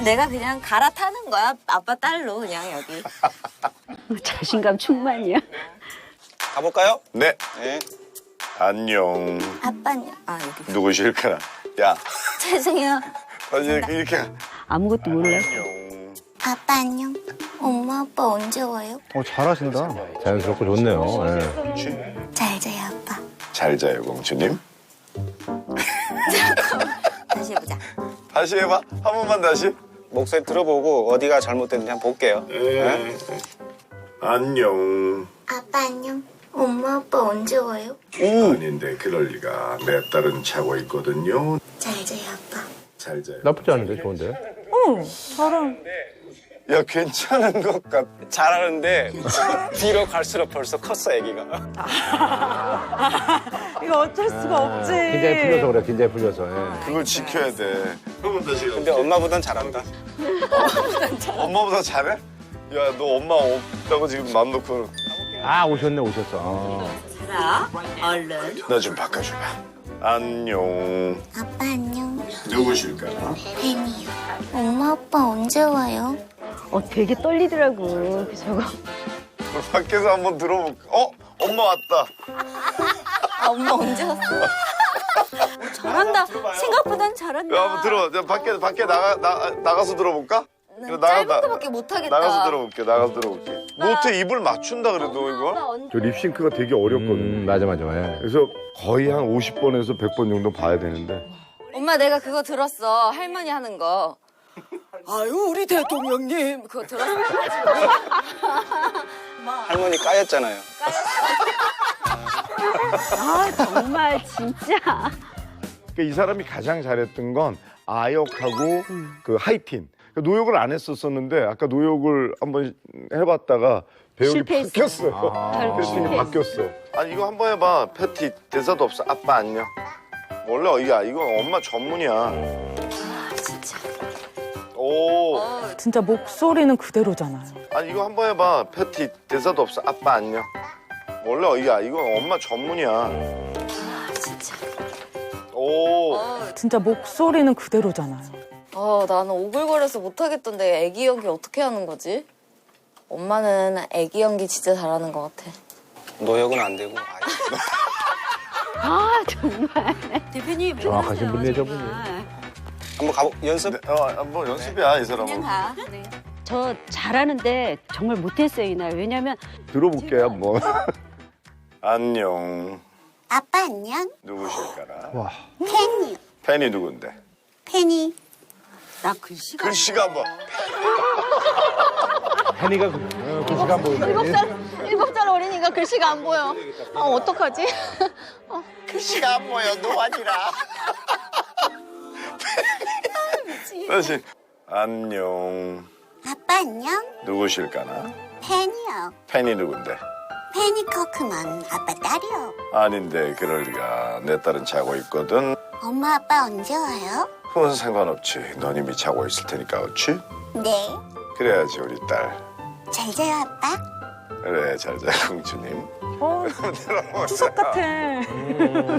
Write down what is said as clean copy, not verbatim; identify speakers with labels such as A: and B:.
A: 내가 그냥 갈아타는 거야. 아빠 딸로 그냥 여기.
B: 자신감 충만이야.
C: 가볼까요?
D: 네.
C: 네.
D: 안녕.
A: 아빠는 여기.
D: 누구실까나? 야,
A: 죄송해요.
D: 다시 이렇게.
B: 아무것도 몰라.
D: 안녕.
A: 아빠 안녕. 엄마 아빠 언제 와요?
E: 잘하신다. 자연스럽고 좋네요.
A: 잘 자요 아빠.
D: 잘 자요, 공주님.
A: 다시 해보자.
D: 다시 해봐. 한 번만 다시.
C: 목소리 들어보고 어디가 잘못됐는지 한번 볼게요. 네?
D: 안녕.
A: 아빠 안녕. 엄마 아빠 언제 와요?
D: 아닌데 그럴 리가. 내 딸은 자고 있거든요.
A: 잘 자요 아빠.
D: 잘 자요.
E: 나쁘지 않은데, 좋은데?
D: 야, 괜찮은 것 같아.
C: 잘하는데 뒤로 갈수록 벌써 컸어, 애기가.
F: 이거 어쩔 수가 없지.
E: 긴장이 풀려서 그래, 긴장이 풀려서. 예.
D: 그걸 지켜야 돼. 한번 다시.
C: 근데 엄마보단 잘한다.
D: 엄마보다 잘해? 야, 너 엄마 없다고 지금 맘 놓고.
E: 아, 오셨어.
A: 자, 얼른.
D: 나 좀 바꿔줘봐. 안녕.
A: 아빠 안녕.
D: 누구실까나?
A: 팬이요. 엄마 아빠 언제 와요?
B: 되게 떨리더라고. 저거.
D: 밖에서 한번 들어볼까? 엄마 왔다.
A: 엄마 언제 왔어? 잘한다. 생각보단 잘한다.
D: 야, 한번 들어. 야, 밖에 나가서 들어볼까?
A: 난 짧은 거밖에 못하겠다.
D: 나가서 들어볼게. 못해. 입을 맞춘다 그래도 이거.
G: 저 립싱크가 되게 어렵거든요.
E: 맞아. 예.
G: 그래서 거의 한 50번에서 100번 정도 봐야 되는데.
A: 엄마 내가 그거 들었어. 할머니 하는 거. 아유 우리 대통령님 그거 들었어.
C: 할머니 까였잖아요.
B: 정말 진짜.
G: 그러니까 이 사람이 가장 잘했던 건 아역하고 그 하이틴. 그러니까 노역을 안 했었었는데 아까 노역을 한번 해봤다가 배역이
B: 실패했어.
G: 바뀌었어요. 캐스팅이 바뀌었어.
D: 아니 이거 한번 해봐. 패티 대사도 없어. 아빠 안녕. 원래 이거 엄마 전문이야.
A: 진짜.
D: 오.
F: 진짜 목소리는 그대로잖아요.
D: 아니 이거 한번 해봐. 패티 대사도 없어. 아빠 안녕. 원래 이거 엄마 전문이야.
A: 진짜.
D: 오.
F: 진짜 목소리는 그대로잖아요.
A: 나는 오글거려서 못하겠던데 애기 연기 어떻게 하는 거지? 엄마는 애기 연기 진짜 잘하는 것 같아.
C: 노역은 안 되고.
B: 정말.
A: 대표님.
E: 정확하신 분이네, 저분이.
C: 한번 연습?
D: 뭐 연습이야 이 사람은.
A: 가. 네.
B: 저 잘하는데 정말 못했어요, 이날. 왜냐면
G: 들어볼게요 한번.
D: 안녕.
A: 아빠 안녕.
D: 누구실까나?
E: 와.
A: 팬이요.
D: 팬이 누군데?
A: 팬이. 나 글씨가.
D: 글씨가 뭐?
E: 혜니가 그 시간 보이네.
A: 7살 어린이가 글씨가 안 보여. 어떡하지?
D: 글씨가 안 보여. 노안이라. 다시. 안녕.
A: 아빠 안녕.
D: 누구실까나?
A: 팬이요.
D: 팬이 누군데?
A: 팬이 커크만 아빠 딸이요.
D: 아닌데 그럴 리가. 내 딸은 자고 있거든.
A: 엄마 아빠 언제 와요?
D: 그건 상관없지. 넌 이미 자고 있을 테니까 그렇지?
A: 네.
D: 그래야지 우리 딸.
A: 잘 자요 아빠.
D: 그래 잘 자 공주님.
F: 추석 같아.